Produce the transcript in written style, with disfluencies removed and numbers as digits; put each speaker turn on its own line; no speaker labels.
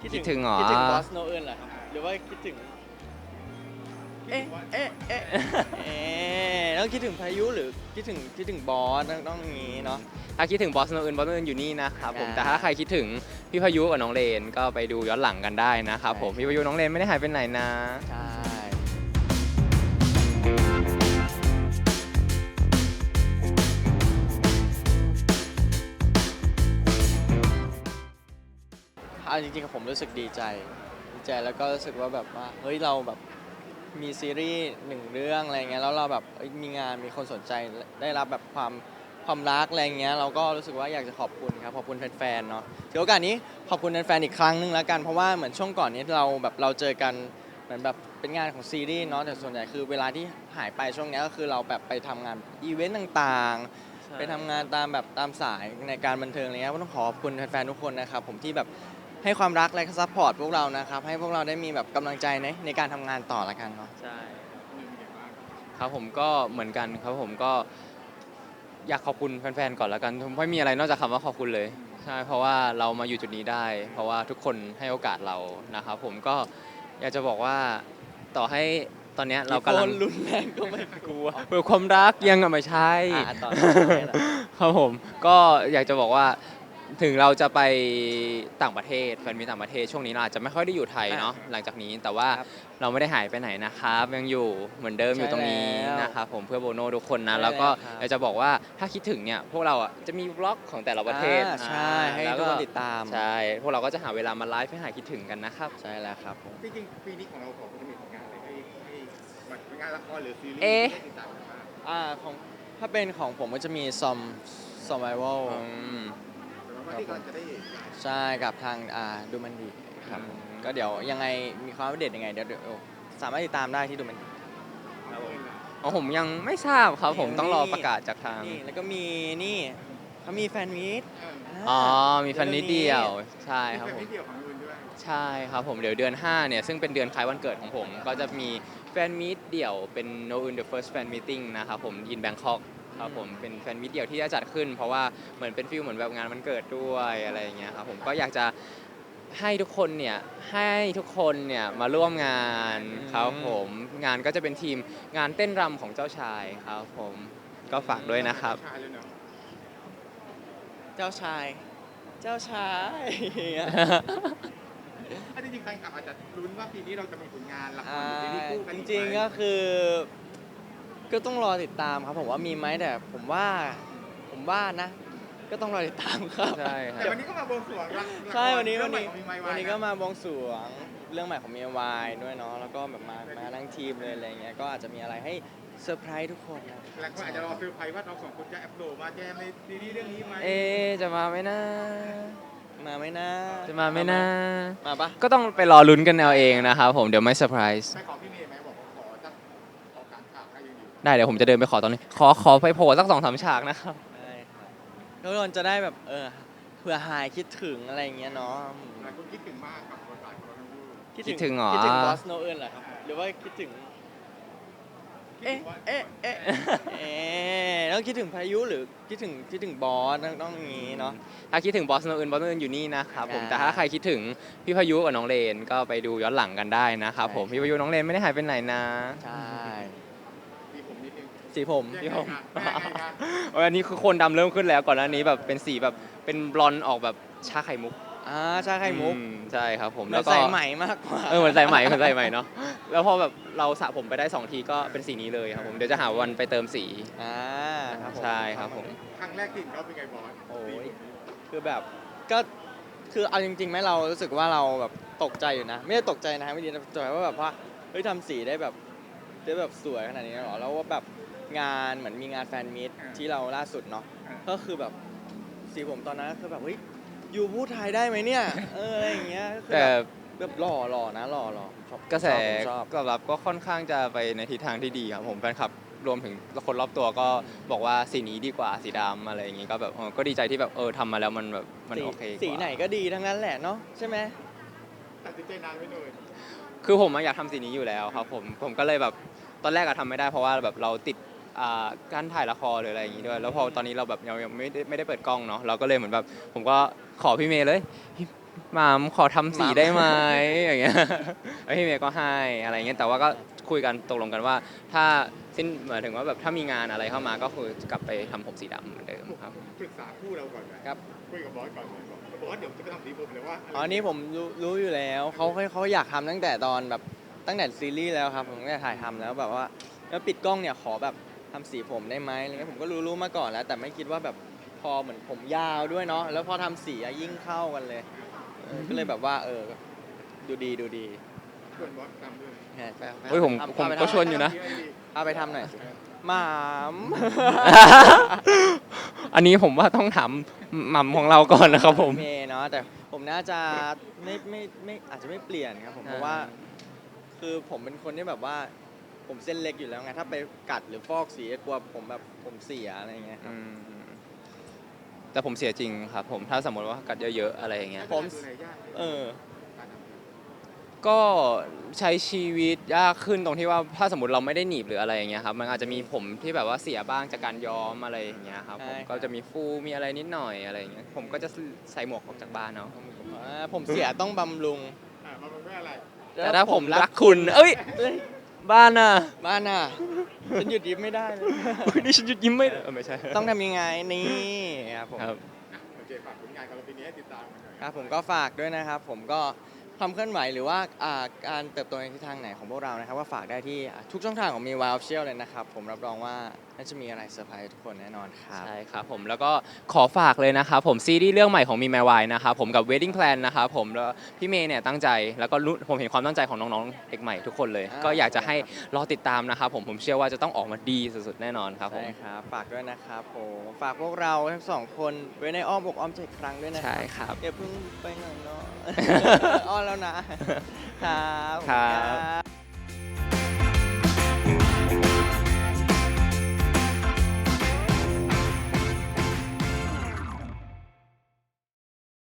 คิดถึงเหรอ
คิดถึงบอสโนเอิร์นเหรอครับหรือว่าคิดถึงเอ๊ะต้องคิดถึงพายุหรือคิดถึงบอสต้องอย่างนี้เนาะ
ถ้าคิดถึงบอสโนอื่นอยู่นี่นะครับผม
อ่า
แต่ถ้าใครคิดถึงพี่พายุกับน้องเลนก็ไปดูย้อนหลังกันได้นะครับผม
ใช่
พี่พายุน้องเลนไม่ได้หายไปไหนนะ
ใช่เอาจริงๆผมรู้สึกดีใจแล้วก็รู้สึกว่าแบบว่าเฮ้ยเราแบบมีซีรีส์หนึ่งเรื่องอะไรเงี้ยแล้วเราแบบเอ้ยมีงานมีคนสนใจได้รับแบบความรักอะไรเงี้ยเราก็รู้สึกว่าอยากจะขอบคุณครับขอบคุณแฟนๆเนาะถือโอกาสนี้ขอบคุณแฟนๆอีกครั้งหนึงแล้วกันเพราะว่าเหมือนช่วงก่อนนี้เราเจอกันเหมือนแบบเป็นงานของซีรีส์เนาะแต่ส่วนใหญ่คือเวลาที่หายไปช่วงเนี้ยก็คือเราแบบไปทำงานอีเวนต์ต่างๆ ไปทำงานตามสายในการบันเทิงอะไรเงี้ยก็ต้องขอบคุณแฟนๆทุกคนนะครับผมที่แบบให้ความรักและซัพพอร์ตพวกเรานะครับให้พวกเราได้มีแบบกำลังใจในการทำงานต่อละกันเนาะ
ใช่ครับผมก็เหมือนกันครับผมก็อยากขอบคุณแฟนๆก่อนแล้วกันผมไม่มีอะไรนอกจากคำว่าขอบคุณเลยใช่เพราะว่าเรามาอยู่จุดนี้ได้ เพราะว่าทุกคนให้โอกาสเรานะครับผมก็อยากจะบอกว่าต่อให้ตอนเนี้ยเรากำลัง
รุนแรงก็ไม่กลัว
เปิดความรักยังไม่ใช่
ต่อ
ครับผมก็อยากจะบอกว่าถึงเราจะไปต่างประเทศแฟนมีต่างประเทศช่วงนี้เราอาจจะไม่ค่อยได้อยู่ไทยเนาะหลังจากนี้แต่ว่า
ครับ
เราไม่ได้หายไปไหนนะครับยังอยู่เหมือนเดิมอยู่ตรงนี้
ใช่แล้ว
นะครับผมเพื่อโบโน่ทุกคนนะ
ใช่
แล้วก็
แล้วครับ
อยากจะบอกว่าถ้าคิดถึงเนี่ยพวกเราอ่ะจะมีบล็อกของแต่ละประเทศ
ใช่ให้
แล้ว
ทุกคนติดตาม
ใช่พวกเราก็จะหาเวลามาไลฟ์ให้หายคิดถึงกันนะครับ
ใช่แล้วครับผม
จริงๆปีนี้ของเราของจะมีผลงานอะไรให้ผลงานละครหรือซีรีส์
เอ๊ะ
ได้ติดตามกันบ้าง
ของถ้าเป็นของผมก็จะมีsurvival
อืม
แต่ว่าที่กำลังจะได้เห็น
ใช่กับทางดูมันดีครับผมก็เดี๋ยวยังไงมีความอัปเดตยังไงเดี๋ยวสามารถติดตามได้ที่ดูมันดี
ของผมยังไม่ทราบครับผม
นี่
ต้องรอประกาศจากทาง
นี่แล้วก็มีนี่เขามีแฟนมีต
อ๋อมีแฟนนิดเดียวใช่ครับผม
มีเดี่ยวของอื่นด้วย
ใช่ครับผมเดี๋ยวเดือน5เนี่ยซึ่งเป็นเดือนคล้ายวันเกิดของผม ก็จะมีแฟนมีตเดี่ยวเป็น No in the First Fan Meeting นะครับผม in Bangkok ครับผมเป็นแฟนมีตเดี่ยวที่จะจัดขึ้น เพราะว่าเหมือนเป็นฟีลเหมือนแบบงานวันเกิดด้วยอะไรอย่างเงี้ยครับผมก็อยากจะให้ทุกคนเนี่ยมาร่วมงานครับผมงานก็จะเป็นทีมงานเต้นรำของเจ้าชายครับผมก็ฝากด้วยนะครับ
ชายเลยเนาะ
เจ้าชาย
ถ้าจริงๆแฟนคลับอาจจะลุ้นว่าปีนี้เราจะมีผลงานละคร
อ่า
หรือซีรีส์คู่กัน
จ
อีไหม
ริงๆก็คือ ก็ต้องรอติดตามครับผมว่ามีไหมแต่ผมว่านะ ก็ต้องรอติดตามครับ
ใช่ค
แต่
รับ
วันนี้ก็มาบวงสรวงละ
ใช่วันนี้
เรื่องใหม่ของมีไมค์
วันนี้ก็มาบวงสรวงเรื่องใหม่ของมีวายด้วยเนาะแล้วก็แบบมาทั้งทีมเลยอะไรเงี้ยก็อาจจะมีอะไรให้เซอร์ไพรส์ทุกคนนะ
หลายคนอาจจะรอเซอร์ไพรส์ว่าเราสองคนจะแอปโหลดมาแจมในซีรีส์เรื่องนี้ไหม
เอ๊ะจะมาไหมนะ
มาไหมนะ
จะมาไหมนะ
มาปะ
ก็ต้องไปรอลุ้นกันเอาเองนะครับผมเดี๋ยวไม่เซอร์ไพรส์
ไปขอพี่เมย์ไหมบอกว่าขอสักขอกลางข่าวให้ยังอยู่
ได้เดี๋ยวผมจะเดินไปขอตอนนี้ ขอไปโผล่สัก2-3 ฉากนะครับ
ได้ครับทุกคนจะได้แบบเผื่อหายคิดถึงอะไรเงี้ยเนาะ
หลายคนคิดถึงมากกับบทบาทของเราทั้งคู่
คิดถึงเหรอ
คิดถึงบอสโนเอิร์นเหรอครับหรือว่าคิดถึง
คิดถึงว่า
ต้องคิดถึงพายุหรือคิดถึงบอสต้องอย่างนี้เนาะ
ถ้าคิดถึงบอสโนอื่นอยู่นี่นะครับผม
อ่า
แต่ถ้าใครคิดถึงพี่พายุกับน้องเลนก็ไปดูย้อนหลังกันได้นะครับผม
ใช่
พี่พายุน้องเลนไม่ได้หายไปไหนนะ
ใช่
มีผมนิดนึง
สีผม
พี่ผม
ยังไงกัน
อันนี้คือคนดำเริ่มขึ้นแล้วก่อนหน้านี้แบบเป็นสีแบบเป็นบลอนด์ออกแบบชาไข่มุก
ชาไข่มุก
ใช่ครับผม
เหมื
แล้
อ
วน ก็
ใส่ไหมมากกว่า
เหมือนใส่ไหมเนาะแล้วพอแบบเราสระผมไปได้2 ทีก็เป็นสีนี้เลยครับผมเดี๋ยวจะหาวันไปเติมสี
ครับผม
ใช่ครับผม
ครั้งแรกที่เห็นเขาเป็นไงบอส
โอ้ยคือแบบก็คือเอาจริงๆไหมเรารู้สึกว่าเราแบบตกใจอยู่นะ ไม่ได้ตกใจนะไม่ดีนะตกใจว่าแบบว่าเฮ้ยทำสีได้แบบสวยขนาดนี้เหรอแล้วว่าแบบงานเหมือนมีงานแฟนมีตที่เราล่าสุดเนาะก็คือแบบสีผมตอนนั้นก็คือแบบเฮ้ยยูพูดไทยได้ไหมเนี่ยอะไรอย่างเงี้ยก็คือ
แต่
แบบหล่อนะหล่อชอบ
กระแส
ชอบ
ตอบรับก็ค่อนข้างจะไปในทิศทางที่ดีครับผมแฟนคลับรวมถึงคนรอบตัวก็บอกว่าสีนี้ดีกว่าสีดำอะไรอย่างงี้ก็แบบก็ดีใจที่แบบทำมาแล้วมันแบบมันโอเคกว่า
สีไหนก็ดีทั้งนั้นแหละเนาะใช่ไหม
ตัดสินใจนานไม่หน่อย
คือผมอยากทำสีนี้อยู่แล้วครับผมก็เลยแบบตอนแรกทำไม่ได้เพราะว่าแบบเราติดการถ่ายละครหรืออะไรอย่างงี้ด้วยแล้วพอตอนนี้เราแบบยังไม่ได้เปิดกล้องเนาะเราก็เลยเหมือนแบบผมก็ขอพี่เมย์เลยหม่ำขอทำสีได้ไหมอย่างเงี้ยแล้วพี่เมย์ก็ให้อะไรเงี้ยแต่ว่าก็คุยกันตกลงกันว่า ถ้าหมายถึงว่าแบบถ้ามีงานอะไรเข้ามาก็คือกลับไปทำผมสีดำเหมือนเดิมครับ
ปรึกษาคู่เราก่อนไหม
ครับ
คุยกับบอสก่อนไหมบอกว่าเดี๋ยวจะไปทำสีผมเลยว่าะไร
อ๋อนี่ผมรู้อยู่แล้วเขาอยากทำตั้งแต่ตอนแบบตั้งแต่ซีรีส์แล้วครับผมตั้งแต่ถ่ายทำแล้วแบบว่าแล้วปิดกล้องเนี่ยขอแบบทำสีผมได้ไหมอะไรเงี้ยผมก็รู้มาก่อนแล้ว แต่ไม่คิดว่าแบบพอเหมือนผมยาวด้วยเนาะแล้วพอทำสีอะยิ่งเข้ากันเลยก็เลยแบบว่าดูดี
ชวนบอสทำด้วย
เนี่ยไป
เฮ้ยผม
ทำ
ผม
พาไป
ก็
ทำ
ชวนอยู่นะ
พาไปทำหน่อยสิหมาม
อันนี้ผมว่าต้องถามหม่ำของเราก่อนนะครับผม
เมย์เนาะแต่ผมน่าจะไม่อาจจะไม่เปลี่ยนครับผมเพราะว่า คือผมเป็นคนที่แบบว่าผมเส้นเล็กอยู่แล้วไงถ้าไปกัดหรือฟอกสีกลัวผมแบบผมเสียอะไรเงี้ยครับ
แต่ผมเสียจริงครับผมถ้าสมมติว่ากัดเยอะๆอะไรอย่างเงี้ย
ผม
ดูแลยากไหม
เออ
การทำสี
ก็ใช้ชีวิตยากขึ้นตรงที่ว่าถ้าสมมติเราไม่ได้หนีบหรืออะไรอย่างเงี้ยครับมันอาจจะมีผมที่แบบว่าเสียบ้างจากการย้อมอะไรอย่างเงี้ยครับ
ใช่
ผม
ครับ
ก็จะมีฟูมีอะไรนิดหน่อยอะไรอย่างเงี้ยผมก็จะใส่หมวกออกจากบ้านเนาะ
ผมเสียต้องบำรุง
มันเป็นอะไร
แต่ถ้าผมรักคุณเอ้ย
เอ้ย
บ้านน่ะ
บ้านน่ะฉันหยุดยิ้มไม่ได้เลย
นี่ฉันหยุดยิ้มไม่ได้ไม่ใช่
ต้องทำยังไงนี่ครับผม
ครับ
โอเคฝากผลงานของเราปีนี้ให้ติดตามกันหน่อย
ครับผมก็ฝากด้วยนะครับ ผมก็ความเคลื่อนไหวหรือว่าการเติบโตในทิศทางไหนของพวกเรานะครับก็ฝากได้ที่ทุกช่องทางของมีวายออฟเชียลเลยนะครับผมรับรองว่าน่าจะมีอะไรเซอร์ไพรส์ทุกคนแน่นอนครับ
ใช่ครับผมแล้วก็ขอฝากเลยนะครับผมซีรีส์เรื่องใหม่ของมีแมวายนะครับผมกับ Wedding Plan นะครับผมแล้วพี่เมย์เนี่ยตั้งใจแล้วก็รู้ผมเห็นความตั้งใจของน้องๆเด็กใหม่ทุกคนเลย
อ่า
ก็อยากจะให้รอติดตามนะครับผมเชื่อว่าจะต้องออกมาดีสุดๆแน่นอนครับผม
ใช่ครับฝากด้วยนะครับผมฝากพวกเราทั้งสองคนไว้ในอ้อมอกอ้อมใจอีกครั้งด้วยนะค
ใช่
รับ
ครับ
อย่าเพิ่งไปไหนเนาะ อ้อนแล้วนะ ครับ
ครับ
ขอณ